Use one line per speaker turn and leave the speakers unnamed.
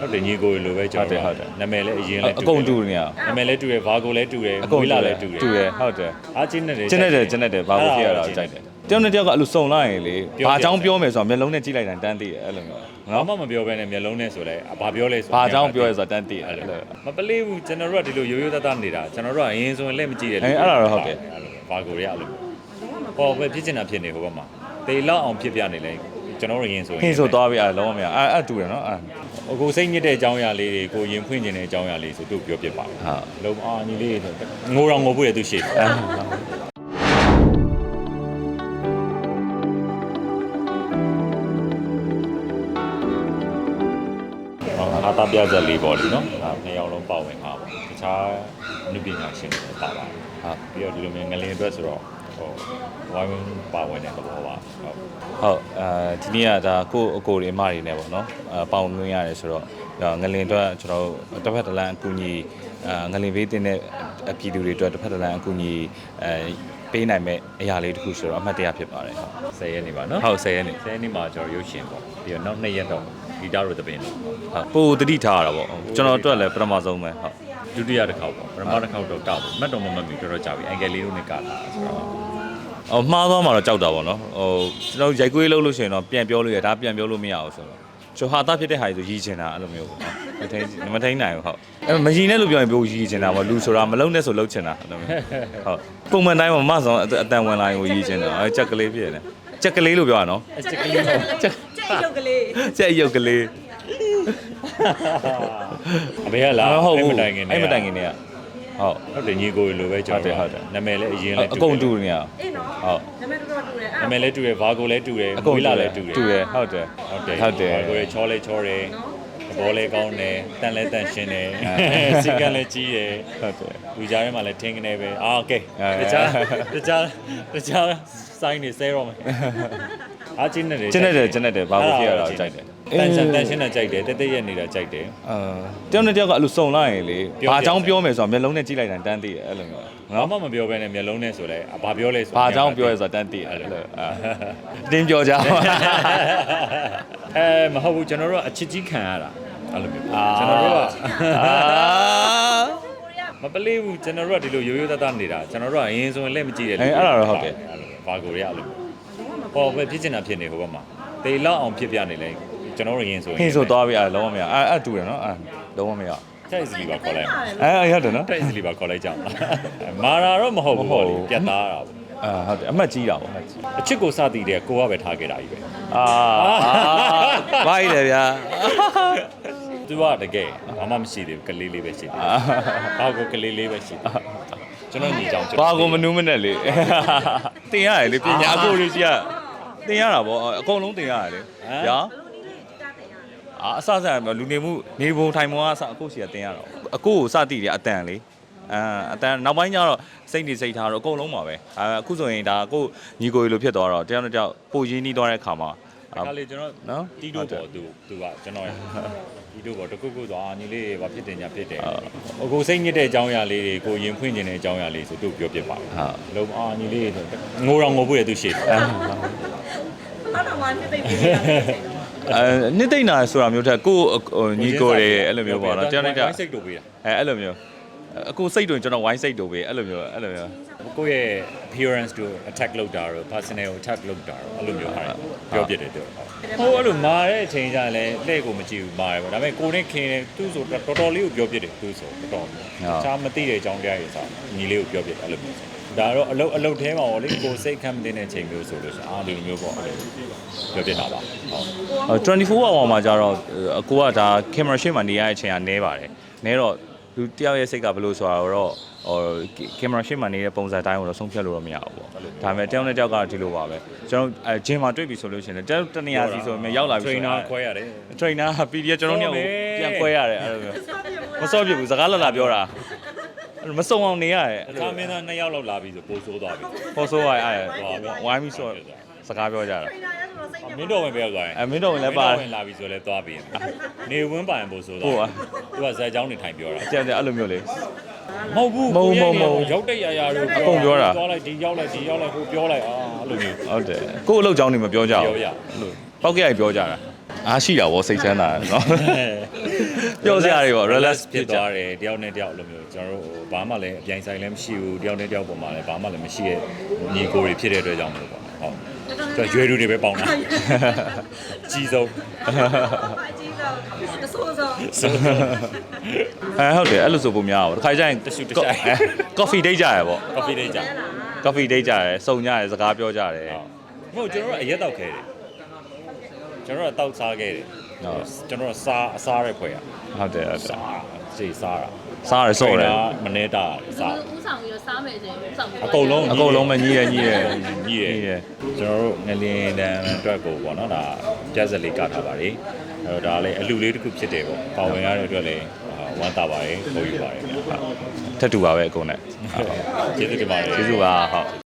ဟုတ်တယ်ညီကိုလိုပဲကျွန်တော်ဟုတ်တယ်နာမည်လည်းအရင်လည်း
အကုန်တူနေရ
နာမည်လည်းတူတယ်ဘာကိုလည်းတူတယ်မွေးလာလည်းတူတယ်
ဟုတ်တယ်
အားချင်းနဲ့
ကျင်းတယ်ဘာကိုဖြစ်ရတာကြိုက်တယ်တယောက်နဲ့တယောက်ကအဲ့လိုစုံလိုက်ရင်လေဘာအကြောင်းပြောမယ်ဆိုတော့မျက်လုံးနဲ့ကြည့်လိုက်တိုင်းတန်းသိတယ်အဲ့လိုမျိုး
နော်မပြောဘဲနဲ့မျက်လုံးနဲ့ဆိုလဲဘာပြောလဲဆို
ဘာအကြောင်းပြောရဲဆိုတော့တန်းသိတယ်အဲ့လို
မပလေးဘူးကျွန်တော်တို့ကဒီလိုရိုးရိုးသားသားနေတာကျွန်တော်တို့ကအရင်ဆိုရင်လက်မကြည့်ရလေ
အဲ့ဒါတော့ဟုတ်တယ်
ဘာကိုရအဲ့လိုဟောပဲဖြစ်နေတာဖြစ်နေဟိုဘက်မှာတေလောက်အောင်ဖြစ်ပြနေလဲကျွန်တော်တို့ရင်ဆိုရင်
ဟင်းဆိုသွားပြီအဲ့လုံးဝမရအဲ့တူတယ်နော်အဲ့
အခုစိတ်ညစ်တဲ့အကြောင်းအရာလေးတွေကိုရင်ဖွင့်ခြင်းတဲ့အကြောင်းအရာလေးဆိုသူ့ပြောပြပါဟုတ်လုံးအာညီလေးငိုတော်ငိုဖို့ရသူရှိတယ်အားသားပြချက်လေးပေါ့လေနော်နှစ်ယောက်လုံးပါဝင်တာပေါ့တခြားအနုပညာရှင်တွေပါပါတယ်ဟုတ်ပြီးတော့ဒီလိုမျိုးငလင်အတွက်ဆိုတော့ဟိုဝိုင်းဝန်းပါဝင်တဲ့သဘောပါ
ဟုတ်ဒီနေ့ကဒါကိုအကိုတွေအမတွေနဲ့ပေါ့နော်ပေါင်သွင်းရတယ်ဆိုတော့ငလင်အတွက်ကျွန်တော်တစ်ဖက်တစ်လမ်းအကူအညီငလင်ဘေးတင်တဲ့အပြည်သူတွေအတွက်တစ်ဖက်တစ်လမ်းအကူအညီပေးနိုင်မဲ့အရာလေးတစ်ခုဆိုတော့အမှတ်တရဖြစ်ပါတယ်ဟုတ်
10ရက်နေပါနော်
ဟုတ်10ရက်နေ
10ရက်နေမှာကျွန်တော်ရုပ်ရှင်ပေါ့ပြီးတော့နောက်2ရက်တော့ဂီတတို့တပင်း
ဟုတ်ပိုတတိထားရတာပေါ့ကျွန်တော်အတွက်လည်းပထမဆုံးပဲဟုတ်
ဒုတိယတစ်ခေါက်ပေါ့ပထမတစ်ခေါက်တော့တောက်မတ်တော်မမီတော်တော်ကြာပြီအင်္ဂလိပ်လိုနဲ့ကလာဆိုတော့
မှားသွားမှာတော့ကြောက်တာပေါ့နော်ကျွန်တော်ရိုက်ကွေးလုပ်လို့ရှိရင်တော့ပြန်ပြောလို့ရဒါပြန်ပြောလို့မရအောင်ဆိုတော့ကျွန်တော်ဟာသားဖြစ်တဲ့ဟာကြီးဆိုရည်ချင်တာအဲ့လိုမျိုးပေါ့မထိန်နိုင်ဘူးဟုတ်မရည်နဲ့လို့ပြောရင်ပြောရည်ချင်တာပေါ့လူဆိုတာမလုံနဲ့ဆိုလုံချင်တာအဲ့လိုမျိုးဟုတ်ပုံမှန်တိုင်းမှာမဆောင်အတန်ဝင်လာရင်ကိုရည်ချင်တာကြက်ကလေးဖြစ်နေကြက်ကလေးလို့ပြောရနော်
ကြက်ကလေး
ကြက်ရုပ်ကလေး
ကြက်ရုပ်ကလေး
အမေကလာ
အဲ့မတိုင်ခင်နေဟုတ်
ဟုတ်တယ်ညီကိုလိုပဲကျွန်တော်ဟုတ်တယ်နာမည်လည်းအရင်လည်း
အကုန်တူနေရ
အေးနော်ဟုတ်နာမည်တော်တူတယ်
နာမည်လည်းတူတယ်ဘာကိုလည်းတူတယ်မွေးလာလည်းတူတယ်
ဟုတ်တယ်ဘာ
ကိုလည်းချောလဲချောတယ်ဘောလဲကောင်းတယ်တန်လဲတန်ရှင်းတယ်စီကံလည်းကြီးတယ်
ဟုတ်တယ်
လူကြားထဲမှာလည်းထင်းကနေပဲโอเคတခြားစိုင်းနေဆဲတော့မယ်အားချင်းနဲ့
ကျင်းတယ်ဘာကိုဖြစ်ရတာကြိုက်တယ်
တန်ရှင်းတာကြိုက်တယ်တက်ရက်နေတာကြိုက်တယ်
တယောက်နဲ့တယောက်ကအဲ့လိုစုံလိုက်ရင်လေဘာအကြောင်းပြောမယ်ဆိုတော့မျက်လုံးနဲ့ကြည့်လိုက်တိုင်းတန်းသိတယ်အဲ့လိုမျိုး
နော်မပြောဘဲနဲ့မျက်လုံးနဲ့ဆိုလဲဘာပြောလဲဆို
ဘာအကြောင်းပြောရဲဆိုတော့တန်းသိတယ်အဲ့လိုတင်းပြောကြ
မဟုတ်ဘူးကျွန်တော်တို့ကအချစ်ကြီးခံရတာအဲ့လိုမျိုးကျွန်တော်တို့ကမပလေးဘူးကျွန်တော်တို့ကဒီလိုရိုးရိုးသားသားနေတာကျွန်တော်တို့ကအရင်ဆိုရင်လက်မကြည့်ရလေ
အဲ့ဒါတော့ဟုတ်တယ်
ဘာကိုရအဲ့လိုဟောပဲဖြစ်နေတာဖြစ်နေဟိုဘက်မှာတေလောက်အောင်ဖြစ်ပြနေလဲကျွန်တော်တို့ရင်ဆိုရင်
ဟင်းဆိုသွားပြီအဲ့လုံးဝမရအဲ့တူတယ်နော်အဲ့လုံးဝမရ
တိုက်စလီပါခေါ်လိုက်
ရတယ်နော်
တိုက်စလီပါခေါ်လိုက်ကြမာရာတော့မဟုတ်ဘူးပေါ့လေပြတ်သားတာပေါ့
ဟုတ်တယ်အမှတ်ကြီးတာပေါ့
အချစ်ကိုစသည်တဲ့ကိုကပဲထားခဲ့တာကြီးပဲ
ဘာကြီးလဲဗျာ
သူကတကယ်ဘာမှမရှိသေးဘူးကလေးလေးပဲရှိတယ်ဘာကိုကလေးလေးပဲရှိတယ်ကျွန်တော်ညီကြောင်
ဘာကိုမနှူးမနဲ့လေတင်ရတယ်လေပညာအကိုလေးကြီးကတင်ရတာပေါ့အကုန်လုံးတင်ရတယ်လေညာအစလူနေမှုနေပုံထိုင်ပုံကအစအခုစီကတင်ရတော့အကိုကိုစတိတယ်အတန်လေအတန်နောက်ပိုင်းကျတော့စိတ်နေစိတ်ထားတော့အကုန်လုံးပါပဲအခုဆိုရင်ဒါကိုညီကိုလိုဖြစ်သွားတော့တယောက်နဲ့တယောက်ပိုရင်းနှီးသွားတဲ့ခါမှာ
ဒါလေကျွန်တော်နော်တီးတို့ပေါ့သူကကျွန်တော်တီးတို့ပေါ့တခုခုသွားညီလေးဘာဖြစ်တယ်ညာဖြစ်တယ်အခုစိတ်ညစ်တဲ့အကြောင်းအရာလေးတွေကိုရင်ဖွင့်ခြင်းတဲ့အကြောင်းအရာလေးဆိုသူပြောပြပါဟုတ်လုံးအာညီလေးငိုတော်ငိုဖို့ရသူရှိတယ်
အဲ့တော့မှနှစ်သိမ့်ပြီး
နှစ်သိမ့်တာဆိုတာမျိုးထက်ကိုညီကိုတွေအဲ့လိုမျိုးပေါ့နော်တယောက်နဲ့တယောက်
စိတ်တို့ပေးတာ
အဲ့လိုမျိုးအခုစိတ်တွင်ကျွန်တော်ဝိုင်းစိတ်တို့ပဲအဲ့လိုမျိုး
ကိုယ့်ရဲ့ appearance တို့ attack လုပ်တာတို့ personal attack လုပ်တာတို့အဲ့လိုမျိုးဟာပြောပြတယ်တို့ဟိုအဲ့လိုမာတဲ့အချိန်ကျလည်းလက်ကိုမကြည့်ဘူးမာတယ်ပေါ့ဒါပေမဲ့ကိုနဲ့ခင်တယ်သူ့ဆိုတော်တော်လေးကိုပြောပြတယ်သူ့ဆိုတော်တော်ချားမသိတဲ့အကြောင်းတရားတွေစားညီလေးကိုပြောပြတယ်အဲ့လိုမျိုးဒါတော့အလုတ်ထဲမှာပေါ့လေကိုစိတ်ခံမတင်တဲ့အချိန်မျိုးဆိုလို့ရှိရင်ဒီလိုမျိုးပေါ့အဲ့လိုပြောပြတာပါ
ဟုတ်24 hour မှာကျတော့အကိုကဒါ camera ရှေ့မှာနေရတဲ့အချိန်ကနဲပါတယ်နဲတော့လူတယောက်ရဲ့စိတ်ကဘယ်လိုဆိုတာတော့ကင်မရာရှေ့မှာနေတဲ့ပုံစံတိုင်းကိုတော့ဆုံးဖြတ်လို့တော့မရဘူးပေါ့ဒါပေမဲ့တယောက်နဲ့တယောက်ကဒီလိုပါပဲကျွန်တော်ဂျင်မှာတွေ့ပြီဆိုလို့ရှိရင်တယောက်တနေရာစီဆိုရင်ရောက်လာပြီ
ဆိုရင် trainer ခွဲရတယ်
trainer PDF ကျွန်တော်တို့ကိုပြန်ခွဲရတယ်အဲ့လိုမျိုးမစောပြဘူးစကားလာပြောတာမစုံအောင်နေရတယ်
အခါမင်းသား2ယောက်လောက်လာပြီဆိုပို့ဆိုးသွားပြီ
ပို့ဆိုးသွားအဲ့ဝိုင်းပြီးဆိုစကားပြောကြတာ
မင်းတော်ဝင်ပြောသွားရင်
မင်းတော်ဝင်လည်းပါ
ဝင်လာပြီဆိုလဲသွားပြီနေဝင်းပိုင်ပို့ဆိုးသွားသူကဇက်ကြောင်းနေထိုင်ပြောတာ
အဲ့လိုမျိုးလေ
မဟုတ်ဘူး
မဟုတ်
ရောက်တဲ့ရာတို့
အကုန်ပြောတာ
သွားလိုက်ဒီရောက်လိုက်ဟိုပြောလိုက်အဲ့လိုမျိုး
ဟုတ်တယ်ကို့အလုပ်ကြောင်းနေမပြောကြဘူးအဲ့လိုပောက်ကြရပြောကြတာအားရှိတာဗောစိတ်ချမ်းသာတယ်နော်ပြောစရာတွေပေါ့ relax
ဖြစ်သွားတယ်တယောက်နဲ့တယောက်လိုမျိုးကျွန်တော်တို့ဘာမှလည်းအပြိုင်ဆိုင်လည်းမရှိဘူးတယောက်နဲ့တယောက်ပုံမှာလည်းဘာမှလည်းမရှိရဲ့ညီကိုတွေဖြစ်တဲ့အတွက်ကြောင့်မလို့ပေါ့ဟုတ်ကျွန်တော်ရွယ်လူတွေပဲပေါင်းတာကြီးဆုံး
အကြီးဆုံးတဆိုးဆုံး
ဟုတ်တယ်အဲ့လိုဆိုပုံများပါတခါကျရင်
တရှူတဆိုင်
coffee date ကြရပေါ့
coffee date ကြ
coffee date ကြရစုံကြရစကားပြောကြတယ်
ဟုတ်ကျွန်တော်တို့အရက်တောက်ခဲတယ်ကျွန်တော်တို့တောက်စားခဲ့တယ်ကျွန်တော်တို့အစားရဲဖွဲ့ရ
ဟုတ်တယ်ဟုတ်တယ်
စားစိတ်စားတာ
စားရစော့တယ်
မနေတာစား
ဥဆောင်ပြီးတော့စားမယ်ဆိုရင်ဥဆောင်ပြီး
အကုန်လုံး
အကုန်လုံးပဲညီးရ
ညီးတယ်ကျွန်တော်တို့ငလင်းတန်းအတွက်ကိုပေါ့နော်ဒါကြက်စလေးကထားပါလေအဲ့တော့ဒါလည်းအလူလေးတစ်ခုဖြစ်တယ်ပေါ့ပါဝင်ရတဲ့အတွက်လည်းဝမ်းသာပါတယ်ခေါ်ယူပါတယ်ခင်ဗျာ
ထက်တူပါပဲအကုန်နဲ့
ကျေးဇူးတင်ပါတယ်
ကျေးဇူးပါဟုတ်